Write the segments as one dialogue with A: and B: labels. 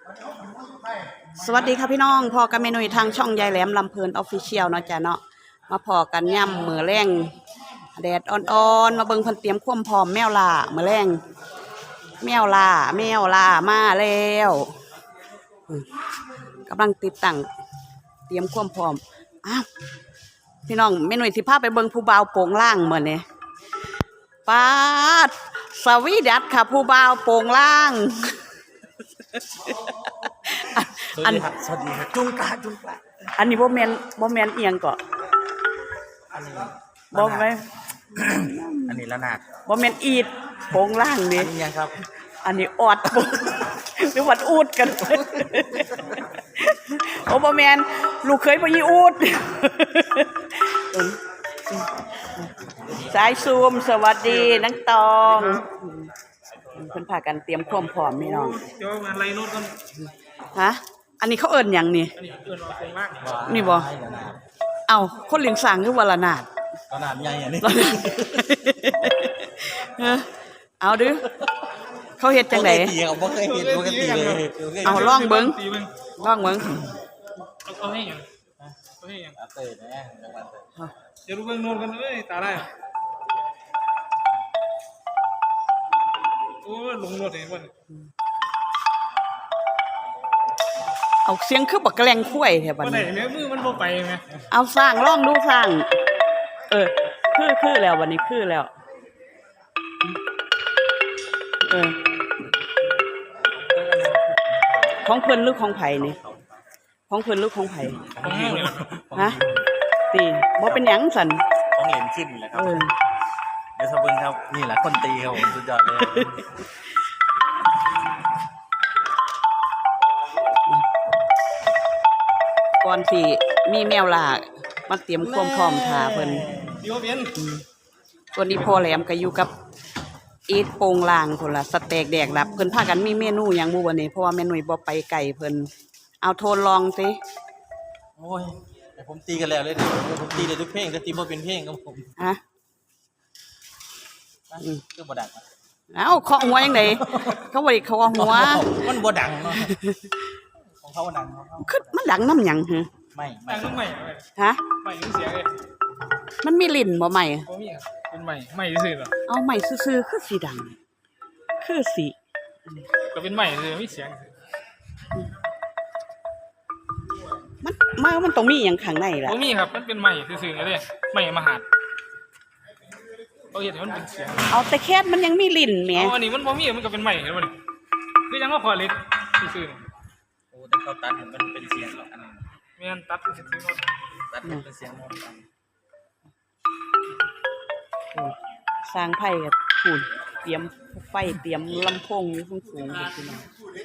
A: สวัสดีค่ะพี่น้องพอกันเมนูทางช่องยายแหลมลำเพลินออฟฟิเชียลเนาะจ้ะเนาะมาพอกันย่ำมือแรงแดดอ่อนๆมาเบิ่งเพิ่นเตรียมความพร้อมแมวล่ามือแรงแมวล่ามาแล้วกำลังติดตั้งเตรียมความพร้อมอ้าวพี่น้องเมนูสิพาไปเบิ่งผู้บ่าวโป่งล่างมื้อนี้ป๊าดสวีดัสค่ะผู้บ่าวโป่งล่าง
B: สวัสดีครับจุงกะ
A: อันนี้บ่แม่นเอียงก็
B: อันนี้
A: บ่แม่น
B: อันนี้ละนาด
A: บ่แม่นอีดโป่งล่างนี่
B: อันนี้ยังครับ
A: อันนี้ออดหรือวัดอูดกันโอ้บ่แม่นลูกเคยบ่ยีอูดสายซูมสวัสดีนังตองเพิ่นพากันเตรียมความพร้อมพี่น้อง
C: เดี๋ยวงานไรโน้ตกัน
A: ฮะอันนี้เขาเอิ้นหยังนี่
C: อันนี้เอิ้นว่าโครงล่าง
A: นี่บ่เอ้าคนเลี้ยงสร้างคือว่าละนาด
B: ละนาดใหญ่อันนี้
A: เอาดื้อเขาเฮ็ดจังได๋
B: บ่เคยเฮ็ดปกติเลย
A: เอาลองเบิ่ง
C: เอาให้ยังเอาให้ยัง
B: เตยนะ
C: เดี๋ยวรู้เบิ่งโน้ตกันเอ้ยตาได้โอ้ลงโน้ตเองบ่
A: เอาเสียงคือบักแกล้งคุ้ยแท้บัดนี้
C: บ่ได้แม่มือมันบ่ไปแม่
A: เอาสร้างลองดูสร้างคือแล้ววันนี้คือแล้วของเพิ่นหรือของไผนี่ของเพิ่นหรือของไผฮะติบ่เป็นหยังสั่น
B: ของเหรียญขึ้นแหละครับเดี๋ยวสะเบิ่งครับนี่แหละคนตีครับผมสุดยอดเลย
A: ก่อนที่มีแมวล่ามาเตรียมความพร้อมท่าเพิ่นตัวนี้พอแหลมก็อยู่กับอีทโป่งล่างพุ่นล่ะสเต็กแดกดับเพิ่นพากันมีเมนูหยังบ่วันนี้เพราะว่าแม่หนุ่ยบ่ไปไกลเพิ่นเอาโทนลองสิ
B: โอ้ยแต่ผมตีกันแล้วเลยผมตีได้ทุกเพลงแต่ตีบ่เป็นเพลงครับผม
A: ฮะ
B: คือบ่ดัง
A: เอ้าเคาะหัวจังได๋เขาบ่ได้เคาะหัว
B: มันบ่ดังเนาะของเขาดัง
A: คือมันดังนำหยังหึ
B: ไม่
C: ดังใหม่
A: ฮะ
C: ใหม่เสียงเลย
A: มันมีลิ้นบ่ใหม่
C: บ่มีครับเป็นใหม่ซื่อๆเหรอ
A: เอาใหม่ซื่อๆคือสิดังคือสิ
C: ก็เป็นใหม่ซื่อมีเสียง
A: มันต้องมีหยังข้างในล่ะ
C: บ่มีครับมันเป็นใหม่ซื่อๆเลยใหม่มหาดเขาเฮ็ดให้มันเป็นเสียง
A: เอาแต่แค่มันยังมีลิ้นแหม
C: อันนี้มันบ่มีมันก็เป็นใหม่เห็นบ่นี่คือยังว่าขอเล็กซื่อ
B: ๆโอ้แต่เขาตัดให้มันเป็นเสียงหรอกอันนั้น
C: แม่นตัดซื่อๆโน้ต
B: ตัดเป็นเสียงโน้ต
A: สร้างไผ่กับพูนเตรียมไฟเตรียมลำโพงอยู่สูงๆพี่น้อง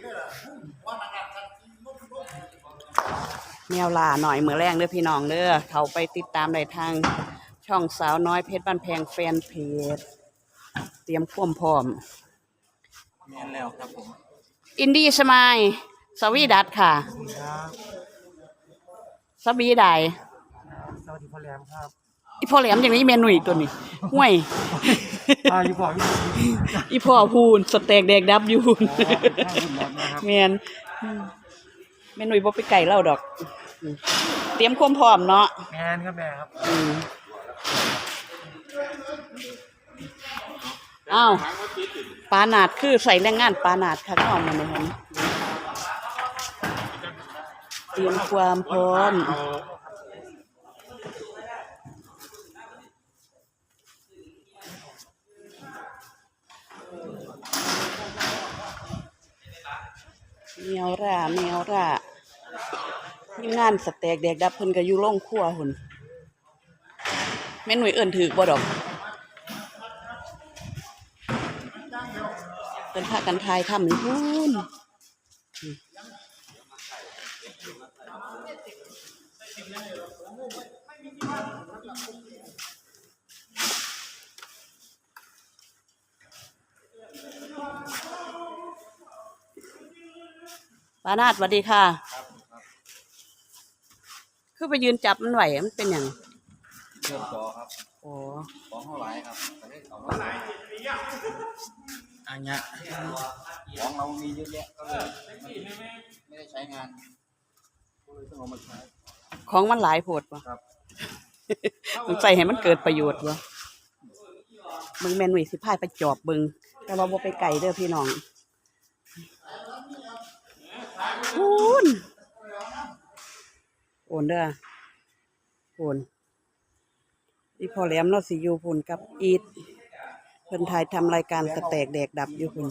A: แมวล่าหน่อยมื้อแรงเด้อพี่น้องเด้อเขาไปติดตามได้ทางช่องสาวน้อยเพชรบ้านแพงแฟนเพจเตรียมความพร้อม
B: แม่นแล้วครับผม
A: อินดี้สมายสวีดัสค่ะสวีได
C: สวัสดีพ่อแหลมครับ
A: อีพ่อแหลมอย่างนี้เมนูอีกตัวนี้ห่วยอีพ่อพูนสเต็กแดกดับอยู่แม่นเมนูบ่ไปไก่เล่าดอกเตรียมความพร้อมเนาะ
C: แม่นครับแม่ครับ
A: อ้าวปานาดคือใส่แรงงานปานาดค่ะเข้ามาในนั้นเตรียมความพร้อมแมวร่าทีมงานสเต็กแดกดับเพิ่นก็อยู่โรงครัวหุ่นแม่หนุ่ยเอิ้นถือบ่ดอกเพิ่นพากันทายทำอยู่พุ่นปานาดสวัสดีค่ะคือไปยืนจับมันไหวมันเป็นอย่าง
B: เชื่อมต่อครับ
A: โอ้
B: ของเท่าไหร่ครับแต่ไม่ของเท่าไหร่อันเนี้ยของเรามีเยอะแยะก็เลยไม่ได้ใช้งานก็เลยต้องเอามาใช้
A: ของมันหลายโพดบ่
B: ครับ
A: ต้องใส่ให้มันเกิดประโยชน์บ่มึงแม่นหนุ่ยสิพายไปจอบเบิ่งแต่ว่าบ่ไปไกลเด้อพี่น้องคุณโอนเด้อโอนนี่พอแหลมเราสิอยู่พุ่นกับอีทเพิ่นถ่ายทำรายการสแตกแดกดับอยู่พุ่น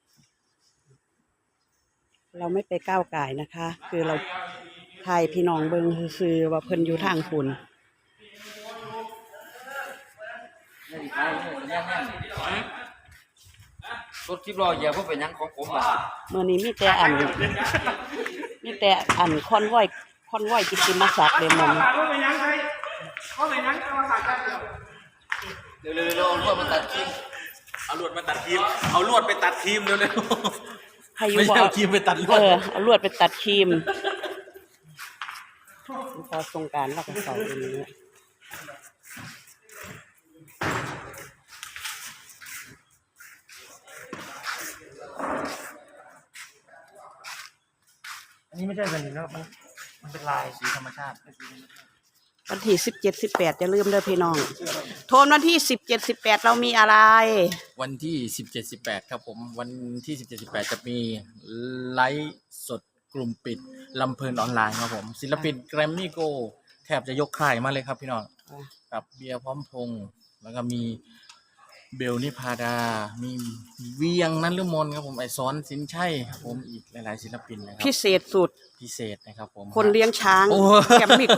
A: เราไม่ไปก้าวก่ายนะคะ คือเราถ่ายพี่น้องเบิ่งซื่อๆว่าเพิ่นอยู่ทางพุ่น
B: รถ10 ล้อเหยียบบ่เป็นหยังของผมล่ะ
A: เมื่อนี้มีแต่อันคอนวอยกิตติมศักดิ์เลยมัน
B: เร็วๆเอาลวดมาตัดครีมเอาลวดมาตัดครีมเอาลวดไปตัดครีมเร็ว
A: ให้อ
B: ๆ
A: ยู่
B: ไม่
A: บ่
B: ใช่เอาครีมไปตัดลวด
A: เอาลวดไปตัดครีมพอสงกรานต์เราก็ใส่ตรงนี้
C: อันนี้ไม่ใช่แบบนี้แล้วมันเป็นลาย
B: สีธรรมชาติ
A: วันที่17-18อย่าลืมเด้อพี่น้องโทนวันที่17-18เรามีอะไร
B: วันที่17-18ครับผมวันที่17-18จะมีไลฟ์สดกลุ่มปิดลำเพลินออนไลน์ครับผมศิลปินแกรมมี่โกแทบจะยกค่ายมาเลยครับพี่น้องกับเบียร์พร้อมพงษ์แล้วก็มีเบลนิพาดา มีเวียงนันฤมลครับผมไอซ้อนสินชัยครับผมอีกหลายๆศิลปินนะครับ
A: พิเศษสุด
B: พิเศษนะครับผม
A: คนเลี้ยงช้าง
B: โอ้
A: แกมมิโก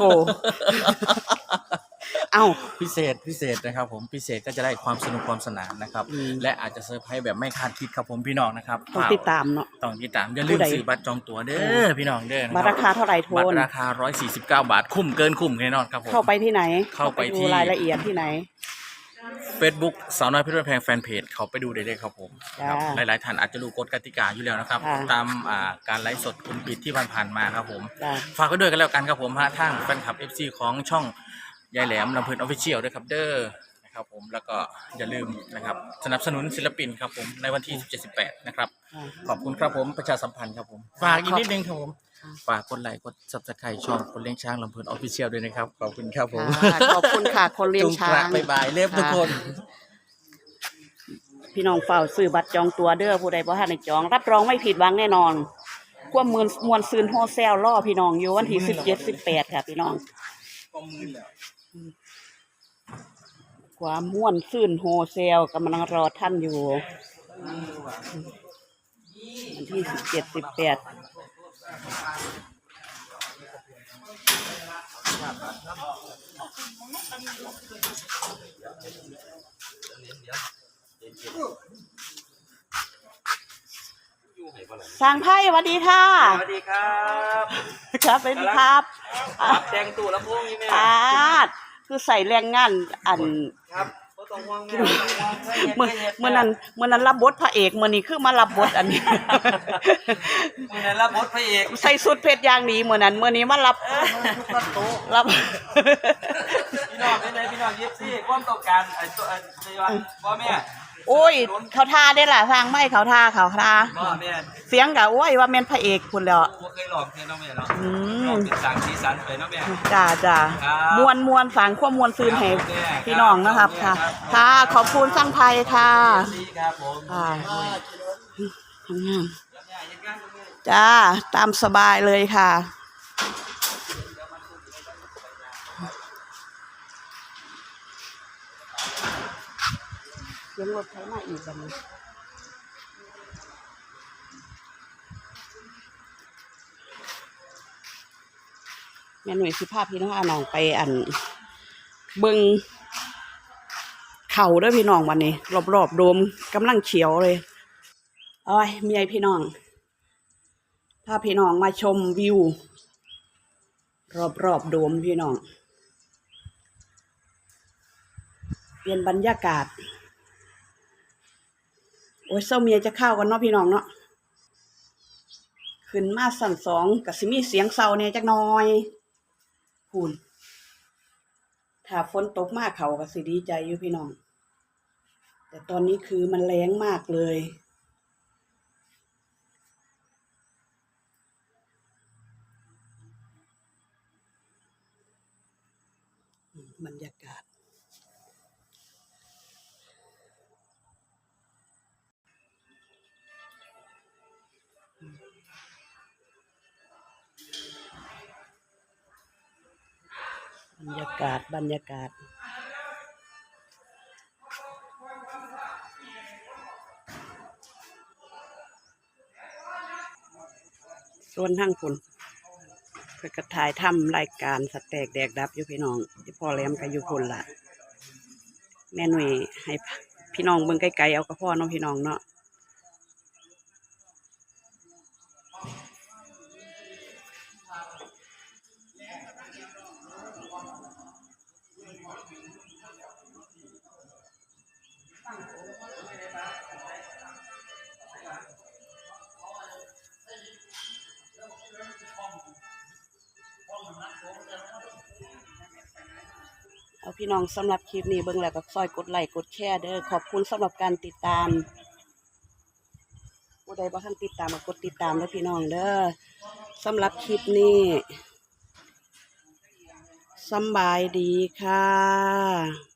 A: เอ้า
B: พิเศษนะครับผมพิเศษก็จะได้ความสนุกความสนานนะครับ และอาจจะเซอร์ไพรส์แบบไม่คาดคิดครับผมพี่น้องนะครับ
A: ต้องติดตามเนาะ
B: ต้องติดตามอย่าลืม
A: ผู้ใด
B: ซื้อบัตรจองตั๋วเด้อพี่น้องเด้อนะ
A: บัตรราคาเท่าไหร่โท
B: บัต
A: น
B: รราคา149 บาทคุ้มเกินคุ้มแน่นอนครับผม
A: เข้าไปที่ไหน
B: เข้าไปที่
A: ดูรายละเอียดที่ไหน
B: Facebook สาวน้อยเพชรบ้านแพงแฟนเพจเขาไปดูได้เลยครับผม
A: จ้า
B: ครับหลายๆท่านอาจจะรู้กฎกติกาอยู่แล้วนะครับ
A: ค่ะ
B: ตามการไลฟ์สดกลุ่มปิดที่ผ่านๆมาครับผม
A: จ้า
B: ฝากไว้ด้วยกันแล้วกันครับผมทางแฟนคลับ FC ของช่องยายแหลมลำเพลินออฟฟิเชียลด้วยครับเด้อนะครับผมแล้วก็อย่าลืมนะครับสนับสนุนศิลปินครับผมในวันที่17-18นะครับขอบคุณครับผมประชาสัมพันธ์ครับผมฝากอีกนิดนึงครับผมฝากกดไลค์กด Subscribe ช่องคนเลี้ยงช้างลำเพลินออฟฟิเชียลด้วยนะครับขอบคุณครับผม
A: ค่ะขอบคุณค่ะ คนเลี้ยงช้าง
B: บ๊ายบายเล็บทุกคน
A: พี่น้องเฝ้าซื้อบัตรจองตัวเด้อผู้ใดบ่ทันได้จอง รับรองไม่ผิดหวังแน่นอนความมวลซืนโฮเซลล่อพี่น้องอยู่วันที่17-18ค่ะพี่น้องความม่วนซื่นโฮเซลกำลังรอท่านอยู่วันที่17-18สร้างไพ่สวัสดีค่ะ
D: สวัสดีครับ
A: ครับสวัสดีครับ
D: ครับแต่งตู้ลำโพงนี่แม่
A: คือใส่แรงงานอัน
D: ครับบ่ต้องห่วงแม่
A: เมื่อนั้นรับบทพระเอกมื่อนี้คือมารับบทอันนี้
D: มื้อนั้นรับบทพระเอก
A: ใส่สุดเพชรอย่างดีมื่อนี้มารับ รับ
D: พี่น้องเป็นไงพี่น้องยิปซี่ความต้องการไอ้ตัวไอ้ว่าพ่อแม่
A: โอ้ยเขาท่าได้ล่ะสร้างไม่เขาท่า
D: พ่อแม่
A: เสียงกะโอ้ยว่าแม่นพระเอกคุณแล้ว
D: บ่เคยลองเพลงเนาะแม่เนาะ
A: อื
D: ลอ
A: ม
D: งเป็นสร้างสีสันไปเนาะแม่
A: จ้า
D: ครับ
A: มวนฝังความมวนซืนให้
D: ครับ
A: พี่น้องนะครับค่ะ ค่ะขอบคุณสร้างไพค่ะ
D: ดีครับผม
A: ค่ะทำงานจ้าตามสบายเลยค่ะยังรถไถมาอีกแบบนี้แม่หน่วยสิภาพพี่น้องอาน้องไปอันเบิงเขาเด้วยพี่น้องวันนี้รอบๆโดมกำลังเขียวเลยโอ้ยเมียพี่น้องพาพี่น้องมาชมวิวรอบๆโดมพี่น้องเปลี่ยนบรรยากาศโอ้ยเศร้าเมียจะเข้ากันเนาะพี่น้องเนาะขึ้นมาสั่นสองกับสิมีเสียงเศร้าเนี่ยจักหน่อยพูนถ้าฝนตกมากเขาก็สิดีใจอยู่พี่น้องแต่ตอนนี้คือมันแรงมากเลยบรรยากาศบรรยากาศส่วนทางคุณเพื่อกระถ่ายทำรายการสแต็กแดกดับอยู่พี่น้องที่พ่อแหลมก็อยู่พุ่นล่ะแม่หนุ่ยให้พี่น้องเบิ่งไกลๆเอากับพ่อเนาะพี่น้องเนาะเอาพี่น้องสำหรับคลิปนี้เบิ่งแล้วก็ซอยกดไลค์กดแชร์เด้อขอบคุณสำหรับการติดตามผู้ใดบ่ทันติดตามก็กดติดตามแล้วพี่น้องเด้อสำหรับคลิปนี้สำบายดีค่ะ